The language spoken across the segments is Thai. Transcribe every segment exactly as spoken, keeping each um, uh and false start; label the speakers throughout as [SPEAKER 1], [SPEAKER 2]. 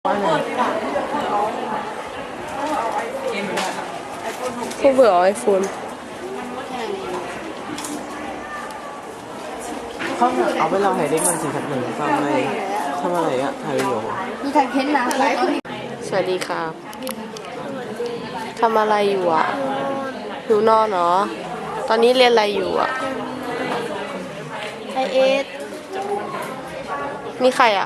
[SPEAKER 1] พวกเบื่อไอโฟน
[SPEAKER 2] เขาเอาไปเราถ่ายเด็กมันสิครับหนึ่งทำอะไรทำอะไรอะถ่ายวิดีโอ
[SPEAKER 3] มีถ่ายเพ้นนะ
[SPEAKER 1] สวัสดีครับทำอะไรอยู่อ่ะอยู่นอนเนาะตอนนี้เรียนอะไรอยู่อ่ะ
[SPEAKER 3] ไอเอส
[SPEAKER 1] มีใครอ่ะ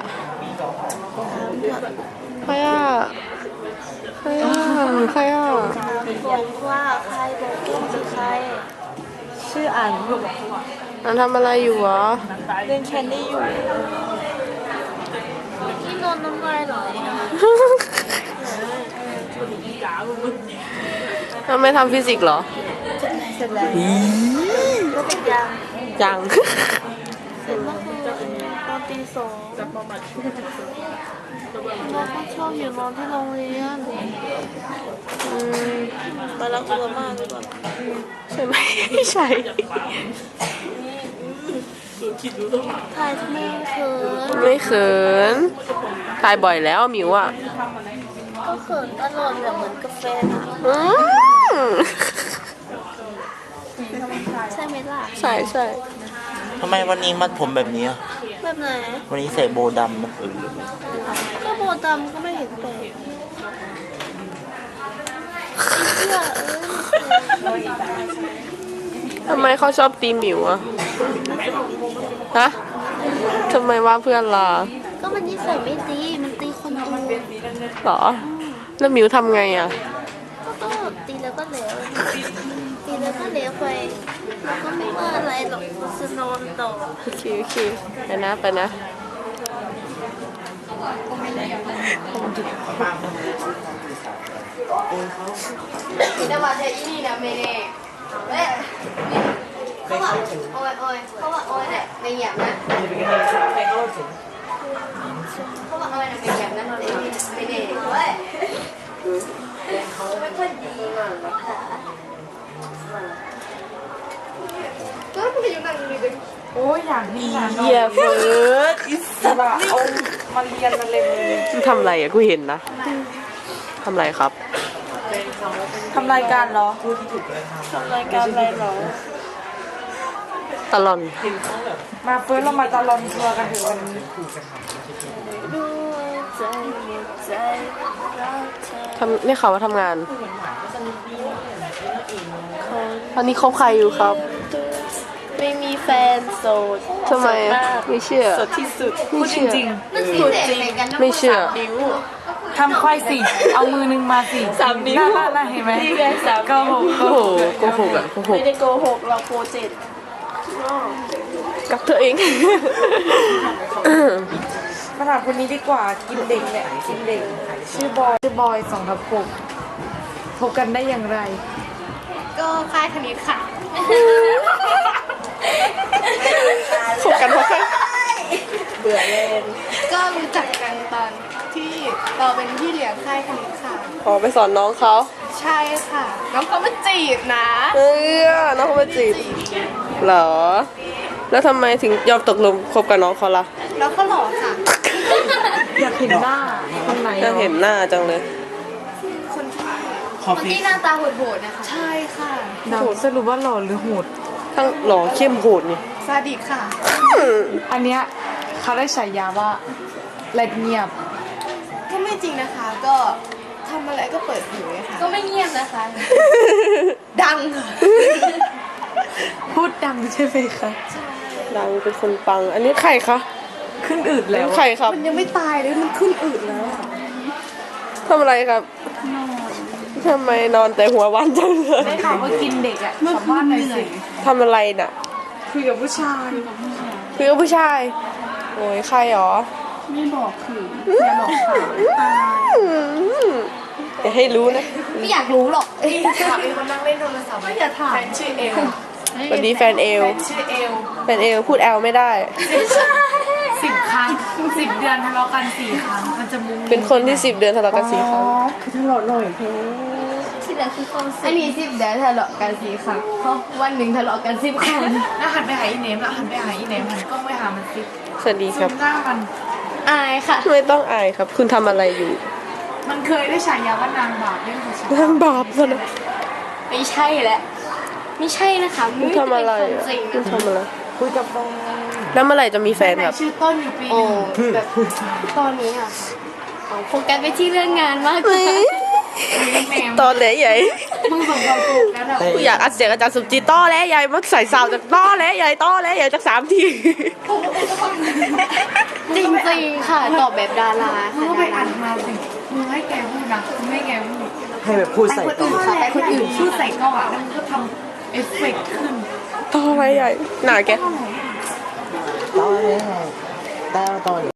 [SPEAKER 1] ใครอ่ะใครอ่ะใครอ่ะ
[SPEAKER 3] บอกว่าใครบอกว่าคือใครชื่ออัน
[SPEAKER 1] อันทำอะไรอยู่วะ
[SPEAKER 3] เล่นแคนดี้อยู่ที่นอนน้ำลายไหล
[SPEAKER 1] ทำไมทำฟิสิกส์เหรอ
[SPEAKER 3] เสร็จแล้วก็เป็นยัง
[SPEAKER 1] ยัง
[SPEAKER 3] เสร็จเมื่อคืนตอนตีสองเราก็ชอบอยู่นอนที่โรงเรียน
[SPEAKER 1] อืม
[SPEAKER 3] ไปรักอุลามาด้วยก่อน
[SPEAKER 1] ใช่ไหมไม่ใช่
[SPEAKER 3] ถ่ายทำไมเขิน
[SPEAKER 1] ไม่เขินถ่ายบ่อยแล้วมิวอ่ะ
[SPEAKER 3] ก็เขินตลอดแบบเหมือนกาแฟนะใช่ไหมล่ะ
[SPEAKER 1] ใช่ใช่
[SPEAKER 2] ทำไมวันนี้มัดผมแบบนี้
[SPEAKER 3] แบบไหน
[SPEAKER 2] วันนี้ใส่โบดำนะ
[SPEAKER 3] ก็โบดำก็ไม่เห็นแปลก
[SPEAKER 1] ทำไมเขาชอบตีหมิวอะฮะทำไมว่าเพื่อนล่ะ
[SPEAKER 3] ก็มันนิสัยไม่ดีมันตีคนอื่น
[SPEAKER 1] หรอแล้วหมิวทำไงอะ
[SPEAKER 3] ก็ตีแล้วก็เหลวตีแล้วก็เหลวไปแล้วก็ไม่ว่าอะไรหรอกจะนอนต่อ
[SPEAKER 1] โอเคโอเคไปนะไปนะ
[SPEAKER 3] แต่ว่าจะอีนี่นะไม่ได้เฮ้ยเขาว่าโอ้ยโอ้ยเขาว่าโอ้ยเนี่ยไม่หยาบนะเขาว่าโอ้ยเนี่ยไม่หยาบนะเราเลยไม่ได้เฮ้ยเขาไม่ค่อยดีมากค่ะก็ไม่อยู่นั่งเลย
[SPEAKER 4] โอ้ยอย่างนี้นะ
[SPEAKER 1] เหี้ยเฟิร์ส
[SPEAKER 4] อิสระเอามาเรียนมาเลย
[SPEAKER 1] มึงทำอะไรอะกูเห็นนะทำอะไรครับ
[SPEAKER 4] ทำรายการเหรอทำรายการอะไรเหรอ
[SPEAKER 1] ตลอน
[SPEAKER 4] มาเฟิร์สเรามาตลอนทัวร์กันถึงวันนี้
[SPEAKER 1] ทำนี่เขาว่าทำงานตอนนี้คบใครอยู่ครับ
[SPEAKER 3] ไม่มีแฟนโสด
[SPEAKER 1] ทำไมไม่เชื่อ
[SPEAKER 4] สดที่สุดพูดจริง
[SPEAKER 3] ๆสุดจริง
[SPEAKER 1] ไม่เชื่อ
[SPEAKER 4] ทำควายสิเอามือนึงมาสิ
[SPEAKER 3] สามนิ้ว
[SPEAKER 4] น่าน่าเห็นไหม
[SPEAKER 3] โกหก
[SPEAKER 1] โกหกโกหกอะโกหก
[SPEAKER 3] ไม่ได้โกหกเราโปรเจกต์
[SPEAKER 1] กับเธอเอง
[SPEAKER 4] มาถามคนนี้ดีกว่ากินเด็กเนี่ยกินเด็กชื่อบอยชื่อบอยสองทับหกพบกันได้อย่างไร
[SPEAKER 3] ก็ค่ายคณิตค่ะ
[SPEAKER 1] พบกันเพราะ
[SPEAKER 3] เบื่อเล่นก็รู้จักกันตอนที่เราเป็นพี่เลี้ยงค่ายคณิตค่ะ
[SPEAKER 1] ขอไปสอนน้องเขา
[SPEAKER 3] ใช่ค่ะน้องเขามาจีบนะ
[SPEAKER 1] เออน้องเขามาจีบเหรอแล้วทำไมถึงยอมตกลงคบกับน้องเขาล่ะ
[SPEAKER 3] น้องเขาหล่อค่ะ
[SPEAKER 4] อยากเห็นหน้าคนไหน
[SPEAKER 1] อยากเห็นหน้าจังเลย
[SPEAKER 3] คนที่คนที่หน้าตาโหดๆนะคะใช่ค่ะ
[SPEAKER 4] โหดสรุปว่าหล่อหรือโหด
[SPEAKER 1] ทั้งหล่อเข้มโหดนี่
[SPEAKER 3] ซาดิสค่ะ
[SPEAKER 4] อันเนี้ยเขาได้ฉายาว่าเล็บเงียบ
[SPEAKER 3] ก็ไม่จริงนะคะก็ทำอะไรก็เปิดเผยค่ะก็ไม่เงียบนะคะดัง
[SPEAKER 4] พูดดังใช่ไหมคะ
[SPEAKER 1] ดังเป็นคนปังอันนี้ใครคะ
[SPEAKER 4] ขึ้นอืดแล้ว
[SPEAKER 1] ใครครับ
[SPEAKER 3] มันยังไม่ตายเลยมันขึ้นอืดแล้ว
[SPEAKER 1] ทำอะไรครับทำไมนอนแต่หัววันจังเลย
[SPEAKER 4] ได้ข่าวว่ากินเด็กอ่ะสัมภาษณ์หน่อยสิ
[SPEAKER 1] ทำอะไรน่ะ
[SPEAKER 4] คุยกับผู้ชาย
[SPEAKER 1] คุยกับผู้ชายโอ้ยใครหรอ
[SPEAKER 4] ไม่บอกคืออย่าหลอกถาม
[SPEAKER 1] อย่าให้รู้นะ
[SPEAKER 3] ไม่อยากรู้หรอกถามเองคนนั่งเล่นโทรศัพท์ไม่อยากถามแฟนชื่อเอล
[SPEAKER 1] สวัสดีแฟนเอล
[SPEAKER 3] ชื่อเอล
[SPEAKER 1] แฟนเอลพูดแอลไม่ได้
[SPEAKER 4] สิบครั้งสิบเดือนทะเลาะกันสี่ครั้งมันจะมุ้ง
[SPEAKER 1] เป็นคนที่สิบเดือนทะเลาะกันสี่ครั้ง
[SPEAKER 4] คือทะเลาะหน่อยเพ่
[SPEAKER 3] ที่เหลือคือความอันนี้สิบเดือนทะเลาะกันสี่ครั้งเพราะวันหนึ่งทะเลาะกันสิบครั้ง
[SPEAKER 4] แล้วหันไปหาอีเนมแล้วหันไปหาอีเนมหันกล้องไปหามันสิ
[SPEAKER 1] สวัสดีครับ
[SPEAKER 4] หน้ามัน
[SPEAKER 3] อายค่ะ
[SPEAKER 1] ไม่ต้องอายครับ คุณทำอะไรอยู่
[SPEAKER 4] มันเคยได้ฉายาว่านางบาปเล่นของฉัน
[SPEAKER 1] นางบาปซะนะ
[SPEAKER 3] ไม่ใช่แหละ ไม่ใช่นะคะ
[SPEAKER 1] คุณทำอะไร
[SPEAKER 3] ม่ด้
[SPEAKER 1] อ่ะ
[SPEAKER 3] เป็นคนจริง
[SPEAKER 1] คุณ
[SPEAKER 3] นะ
[SPEAKER 1] ทำอะไร
[SPEAKER 2] คุยกับแฟน
[SPEAKER 1] แล้วเมื่อไหร่จะมีแฟน
[SPEAKER 4] ไหน
[SPEAKER 1] ครับ
[SPEAKER 4] ชื่อต้นอยู่ปีห
[SPEAKER 3] โอ้
[SPEAKER 4] นึ่ง
[SPEAKER 3] แบบตอนนี้อ่ะเอาโฟกัสไปที่เรื่องงานมากกว่า
[SPEAKER 4] แมว
[SPEAKER 1] ตอนแหลใหญ่
[SPEAKER 4] มึงส่งความสุขแล้วนะ
[SPEAKER 1] กูอยากอัดเสียงอาจารย์สุจิตต้อแหลใหญ่มาใส่สาวจากต้อแหลใหญ่ต้อแหลใหญ่จากสามที
[SPEAKER 3] จริงๆค่ะตอบแบบดารา
[SPEAKER 4] มึง
[SPEAKER 3] ค่ะ
[SPEAKER 4] ก็ไปอ่านมาสิมึงให้แกพูดนะมึงให้แกพูด
[SPEAKER 2] ให้แบบพูดใส่
[SPEAKER 4] คน
[SPEAKER 2] ต่อ
[SPEAKER 4] อื่นค่ะแต่คนอื่นพูดใส่กล้องอ่ะแล้วมึงก็ทำเอฟเฟกต์ขึ้น
[SPEAKER 1] ต้อแหลใหญ่หนาแก
[SPEAKER 2] ตอนนี้ไงแต่ตอน